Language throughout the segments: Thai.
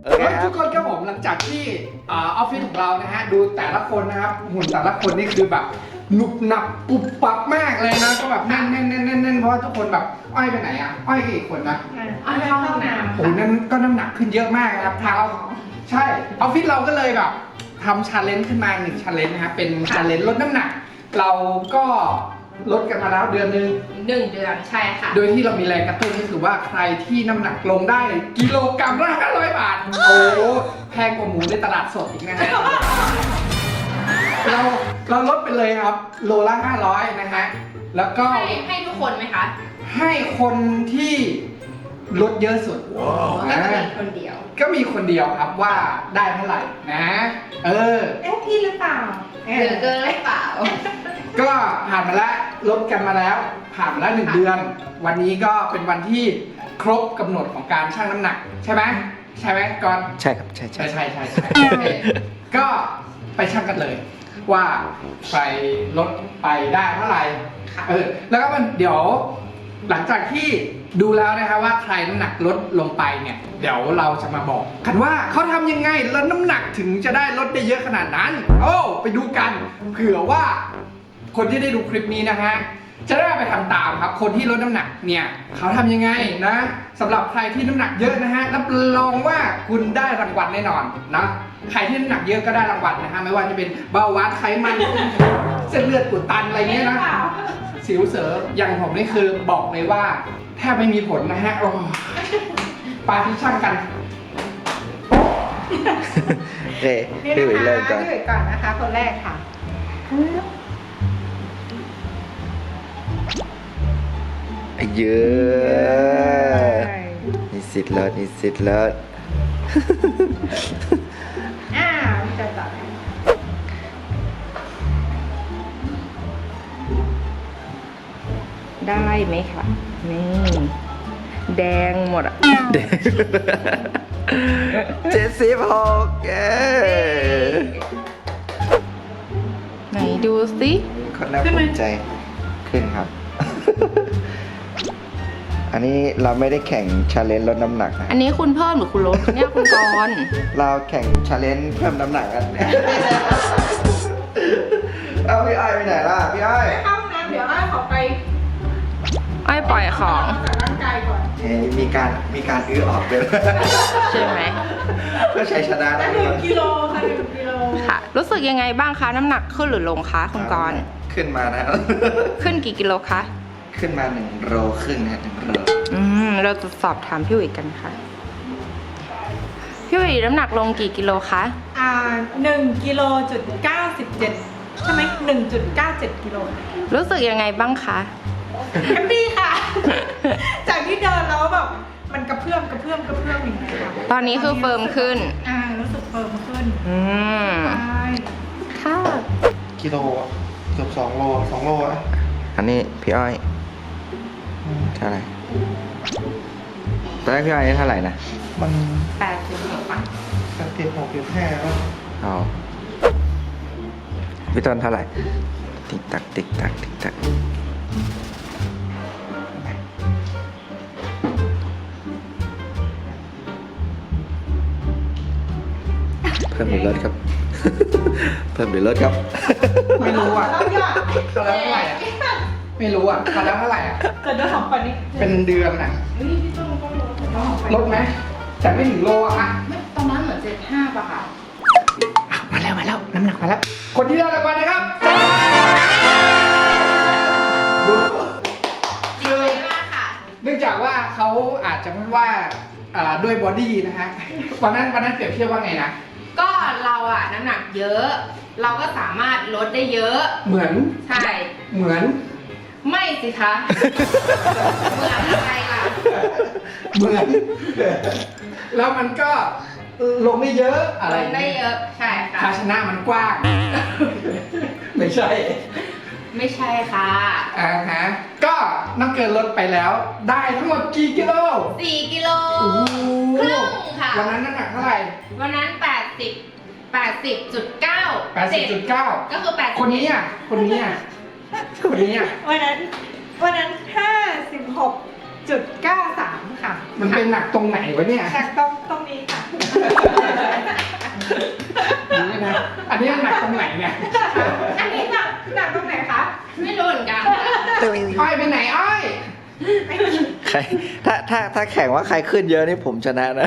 ทุกคนครับผมหลังจากที่ออฟฟิศของเรานะฮะดูแต่ละคนนะครับหุ่นแต่ละคนนี่คือแบบหนุบหนับปุบปับมากเลยนะก็แบบแน่นเพราะว่าทุกคนแบบอ้อยไปไหนอ่ะอ้อยกี่คนนะอ้อยเข้าห้องน้ำโอ้นั่นก็น้ำหนักขึ้นเยอะมากนะครับเท้าใช่ออฟฟิศเราก็เลยแบบทำชาเลนจ์ขึ้นมา1ชาเลนจ์นะครับเป็นชาเลนจ์ลดน้ำหนักเราก็ลดกันมาแล้วเดือนนึง 1 เดือนใช่ค่ะโดยที่เรามีแรงกระตุ้นก็คือว่าใครที่น้ำหนักลงได้กิโลกรัมละ500 บาทโอ้แพงกว่าหมูในตลาดสดอีกนะฮะเราลดไปเลยครับโลละ500นะฮะแล้วก็ให้ทุกคนไหมคะให้คนที่ลดเยอะสุดก็จะมีคนเดียวก็มีคนเดียวครับว่าได้เท่าไหร่นะพี่หรือเปล่าเหลือเกินหรือเปล่าก็ผ่านมาแล้วลดกันมาแล้วผ่านมาแล้ว1 เดือน วันนี้ก็เป็นวันที่ครบกำหนดของการชั่งน้ำหนักใช่ไหมก่อนใช่ครับใช่ก็ไปชั่งกันเลยว่าใครลดไปได้เท่าไหร่แล้วก็มันเดี๋ยวหลังจากที่ดูแล้วนะครับว่าใครน้ำหนักลดลงไปเนี่ยเดี๋ยวเราจะมาบอกกันว่าเขาทำยังไงลดน้ำหนักถึงจะได้ลดได้เยอะขนาดนั้นไปดูกันเผื่อว่าคนที่ได้ดูคลิปนี้นะฮะจะได้ไปทำตามครับคนที่ลดน้ำหนักเนี่ยเขาทำยังไงนะสำหรับใครที่น้ำหนักเยอะนะฮะรับรองว่าคุณได้รางวัลแน่นอนนะใครที่น้ำหนักเยอะก็ได้รางวัลนะฮะไม่ว่าจะเป็นเบาหวานไขมันเส้นเลือดอุดตันอะไรเงี้ยนะสิวเสออย่างผมนี่คือบอกเลยว่าแทบไม่มีผลนะฮะปาที่ช่างกันพี่อุ๋ยเริ่มก่อนพี่อุ๋ยก่อนนะคะคนแรกค่ะเยอะนิสิตเลิศพี่จะต่อได้ไหมคะนี่แดงหมดอ่ะ 76 ไหนดูสิคนน่าภูมิใจขึ้นครับ อันนี้เราไม่ได้แข่งชาเลนจ์ลดน้ำหนักนะอันนี้คุณเพิ่มหรือคุณลดเนี่ยคุณกรณ์เราแข่งชาเลนจ์เพิ่มน้ำหนักกัน เอาพี่อ้อยไปไหนล่ะพี่อ้อยเข้าห้องน้ำเดี๋ยวอ้อยขอไปอ้อยปล่อยของจากร่างกายก่อนมีการอื้อออกเลยใช่ไหมเพื่อใช้ชนะได้ 1 กิโลค่ะ1 กิโลค่ะ รู้สึกยังไงบ้างคะน้ำหนักขึ้นหรือลงคะคุณกรณ์ขึ้นมานะขึ้นกี่กิโลคะขึ้นมา1 โลครึ่งนะ1 โลเราจะสอบถามพี่อุ๋ยกันค่ะพี่อุ๋ยน้ำหนักลงกี่กิโลคะ 1 กิโลจุด97ใช่ไหม1.97 กิโลรู้สึกยังไงบ้างคะแฮปปี้ค่ะ จากที่เดินแล้วแบบมันกระเพื่อมอย่างเงี้ยค่ะตอนนี้คือเฟิร์มขึ้นรู้สึกเฟิร์มขึ้น ใช่ค่ะกิโลเกือบ2 โล2 โลอ่ะอันนี้พี่อ้อยเท่าไหร่ตอนแรกพี่อ้อยเท่าไหร่นะมัน 86 ป่ะ 86.5เอาพี่ต้นเท่าไหร่ติ๊กตักเพิ่มหรือลดครับ เพิ่มหรือลดครับไม่รู้อ่ะเขาแล้วเท่าไหร่อ่ะไม่รู้อ่ะเขาแล้วเท่าไหร่อ่ะเกิดเดือนของปันนี้เป็นเดือนอ่ะลดไหมแต่ไม่ถึงโลอ่ะตอนนั้นเหมือน75 ป่ะค่ะมาแล้วน้ำหนักมาแล้วคนที่ได้รางวัลนะครับคือมากค่ะเนื่องจากว่าเขาอาจจะพูดว่าด้วยบอดี้นะฮะวันนั้นเปรียบเทียบว่าไงนะก็เราอะน้ำหนักเยอะ เราก็สามารถลดได้เยอะเหมือนใช่เหมือนไม่สิคะ เหมือนอะไรล่ะเหมือน แล้วมันก็ลงได้เยอะอะไรลงได้เยอะ ใช่ค่ะภาชนะมันกว้าง ไม่ใช่ไม่ใช่ค่ะก็น้ำเกินลดไปแล้ว ได้ทั้งหมดกี่กิโล 4 กิโลโอ้โหครึ่งค่ะวันนั้นน้ำหนักเท่าไหร่วันนั้น 80.9 80.9 ก็คือ80 คนนี้อ่ะวันนั้น56.7 96.93 ค่ะมันเป็นหนักตรงไหนวะเนี่ยจากตรงนี้ค่ะนี่นะอันนี้หนักตรงไหนเนี่ยอันนี้หนักตรงไหนคะไม่รู้เหมือนกันอ้อยไปไหนอ้อยใครถ้าแข่งว่าใครขึ้นเยอะนี่ผมชนะนะ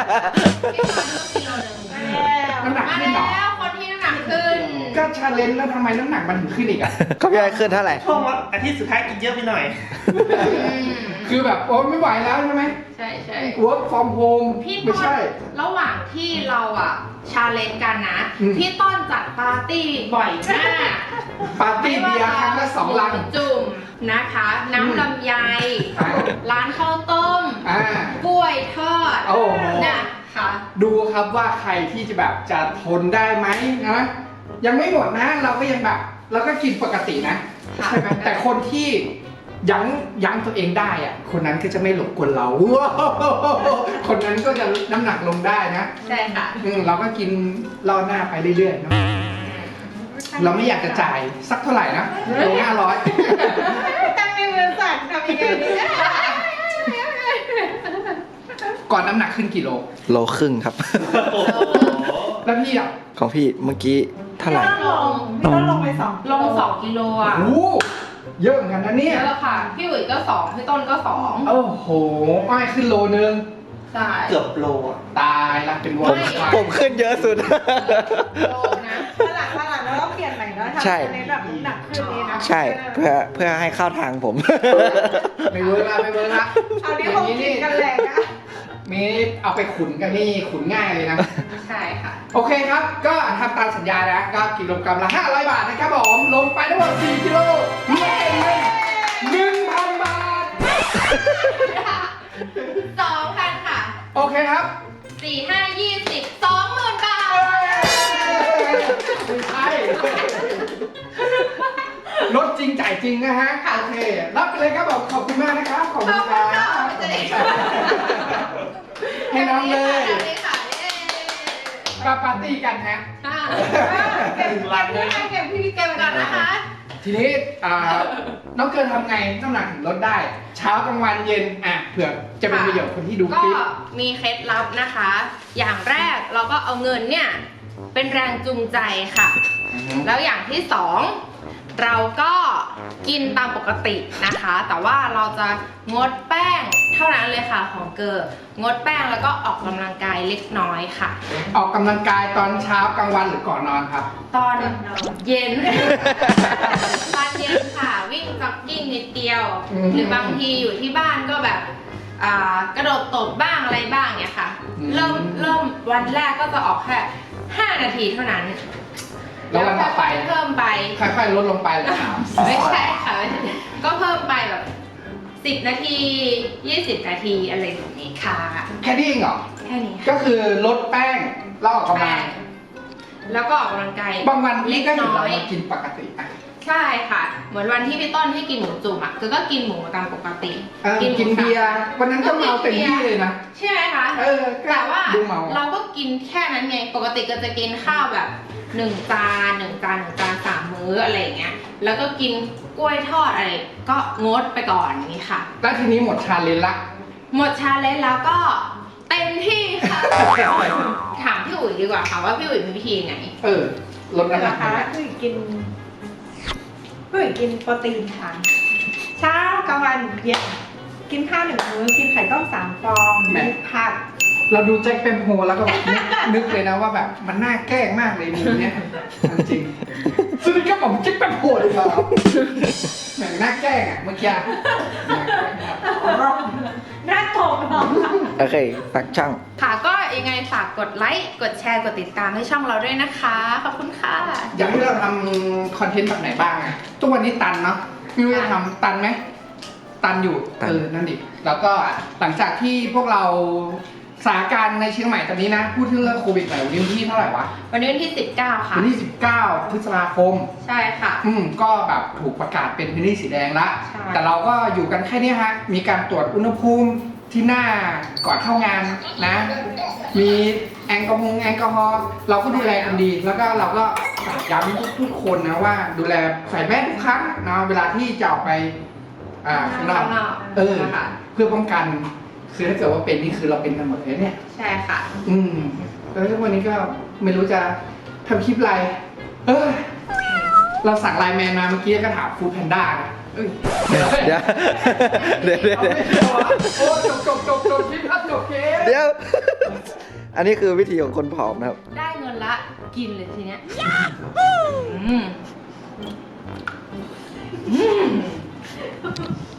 น้ำหนักมาขึ้นเหรอแล้วคนที่น้ำหนักขึ้นก็ชาเลนจ์แล้วทำไมน้ำหนักมันถึงขึ้นอีกอ่ะก็พี่ไอ้ขึ้นเท่าไหร่ช่วงวันอาทิตย์สุดท้ายกินเยอะไปหน่อยคือแบบโอ้ไม่ไหวแล้วใช่ไหมใช่ใช่ work from home พี่ไม่ต้นใช่ระหว่างที่เราอ่ะชาเลนจ์กันนะอืมพี่ต้นจัดปาร์ตี้บ่อยมากปาร์ตี้เบียร์ครั้งละ2 ลังหมูจุ่มนะคะ น้ำลำไยอ่าร้านข้าวต้มอ่ากล้วยทอดโอ้โหนะคะดูครับว่าใครที่จะแบบจะทนได้ไหมนะ ยังไม่หมดนะ เราก็ยังแบบเราก็กินปกตินะค่ะใช่ไหมแต่คนที่ยั้งตัวเองได้อะคนนั้นก็จะไม่หลงกลเรา คนนั้นก็จะน้ำหนักลงได้นะใช่ค่ะเราก็กินล่อหน้าไปเรื่อยๆเนอะเราไม่อยากจะจ่ายสักเท่าไหร่นะโล500 ตั้งในมือสั่นทำยังไงดีก่อนน้ำหนักขึ้นกี่โลโลครึ่งครับโอ้โหแล้วพี่อ่ะของพี่เมื่อกี้เท่าไหร่ต้องลงไป2 ลง2 กิโลอ่ะโอ้โหเยอะเหมือนกันนะเนี่ยเยอะค่ะ พี่อุ๋ยก็2พี่ต้นก็2 โอ้โหอ้อยขึ้นโลนึงใช่เกือบโลอะตายละเป็นวผงมผมขึ้นเยอะสุดโลนะวันหลังแล้วก็เปลี่ยนใหม่แล้วทำใช่ในแบบหนักขึ้นนี้นะใช่เพื่อให้เข้าทางผมไม่เวิร์กละไม่เวิร์กละเอานี้คงกินกันแรงอะมีเอาไปขุนกันนี่ขุนง่ายเลยนะใช่ค่ะโอเคครับ ก็ทำตามสัญญานะก็กิโลกรัมละ500 บาทนะครับผมลงไปทั้งหมด4 กิโลรวมเป็นเงิน 1,000 บาท 2,000 ค่ะโอเคครับ 4 5 20 20,000 บาทไม่ใช่ลดจริงจ่ายจริงนะฮะ โอเค รับไปเลยครับผมขอบคุณมากนะครับ ขอบคุณครับ ให้น้องเลยได้ค่ะเย้ก็ปาร์ตี้กันฮะค่ะเก็บพี่เก็บก่อนนะคะทีนี้น้องเกินทำไงน้ำหนักถึงลดได้ เช้ากลางวันเย็นเผื่อจะเป็นประโยชน์คนที่ดูคก็ลิปมีเคล็ดลับนะคะ อย่างแรกเราก็เอาเงินเนี่ยเป็นแรงจูงใจค่ะ แล้วอย่างที่สองเราก็กินตามปกตินะคะ แต่ว่าเราจะงดแป้งเท่านั้นเลยค่ะของเกอร์งดแป้งแล้วก็ออกกำลังกายเล็กน้อยค่ะออกกำลังกายตอนเช้ากลางวันหรือก่อนนอนครับตอนเย็น ตอนเย็นค่ะ วิ่งจ็อกกิ้งนิดเดียวอืมหรือบางทีอยู่ที่บ้านก็แบบกระโดดตบบ้างอะไรบ้างเนี่ยค่ะอืมเริ่มวันแรกก็จะออกแค่5 นาทีเท่านั้นแล้ววันต่อไปค่ยๆเพิ่มไปค่อยๆลดลงไปเลยครับไม่ใช่ค่ะไม่ใช่ก็เพิ่มไปแบบ10 นาที 20 นาทีอะไรแบบนี้ค่ะแค่นี้เองเหรอแค่นี้ค่ะก็คือลดแป้งแล้วออกกำลัแป้งงแล้วก็ออกกำลังกายบางวันเล็นี่กก็เห็นน้อเรายมากินปกติอ่ะใช่ค่ะ เหมือนวันที่พี่ต้นให้กินหมูจุ่มอ่ะก็กินหมูตามปกติกินเบียร์วันนั้นก็เมาเต็มที่เลยนะใช่ไหมคะเออก็แต่ว่าดูเมาเราก็กินแค่นั้นไงปกติก็จะกินข้าวแบบ1 จาน1 จาน1 จาน3 มื้ออะไรอย่างเงี้ยแล้วก็กินกล้วยทอดอะไรก็งดไปก่อนอย่างนี้ค่ะแล้วทีนี้หมดชาเลนจ์ละหมดชาเลนจ์แล้วก็เต็มที่ค่ะ ถามพี่อุ๋ยดีกว่าค่ะว่าพี่อุ๋ยมีวิธีไหนลดน้ำหนักนะคะยังไงคือกินโปรตีนค่ะเช้ากลางวันเย็นกินข้าว1 มื้อกินไข่ต้ม3 ฟองมีผักเราดูแจ็คเป็นโฮแล้วก็แบบนึกเลยนะว่าแบบมันน่าแกล้งมากเลยมีเนี่ยจริงสวัสดีครับผมแจ็คเป็นโฮเลยครับแหมน่าแกล้งอ่ะเมื่อกี้หน้าตกหรอโอเคฝากช่องค่ะก็ยังไงฝากกดไลค์กดแชร์กดติดตามให้ช่องเราด้วยนะคะขอบคุณค่ะอยากให้เราทำคอนเทนต์แบบไหนบ้างอ่ะทุกวันนี้ตันเนาะไม่รู้จะทำตันไหมตันอยู่ตันนั่นดิแล้วก็หลังจากที่พวกเราสถานการณ์ในเชียงใหม่ตอนนี้นะพูดถึงเรื่องโควิดหน่อยวันนี้วันที่เท่าไหร่วะวันนี้วันที่ 19 ค่ะวันที่19 พฤษภาคมใช่ค่ะก็แบบถูกประกาศเป็นพื้นที่สีแดงละใช่แต่เราก็อยู่กันแค่นี้ฮะ มีการตรวจอุณหภูมิที่หน้าก่อนเข้างานนะ มีแอลกอฮอล์เราก็ดูแลกันดี แล้วก็เราก็ฝากย้ำทุกคนนะว่าดูแลใส่แมสทุกครั้งนะเวลาที่จะออกไปข้างนอกข้างนอกเออค่ะคพื่อป้องกัน คือถ้าเกิดว่าเป็นนี่คือเราเป็นกันหมดเลยเนี่ยใช่ค่ะแล้วทุกวันนี้ก็ไม่รู้จะทำคลิปอะไร เราสั่งไลน์แมนมาเมื่อกี้ก็ถามฟู้ดแพนด้านะเอ้ยเดี๋ยวเดี๋ยวเอาไม่เกี่ยวอะโอ้จบคลิปครับจบคลิปเดี๋ยว อันนี้คือวิธีของคนผอมนะครับได้เงินละกินเลยทีเนี้ยอืม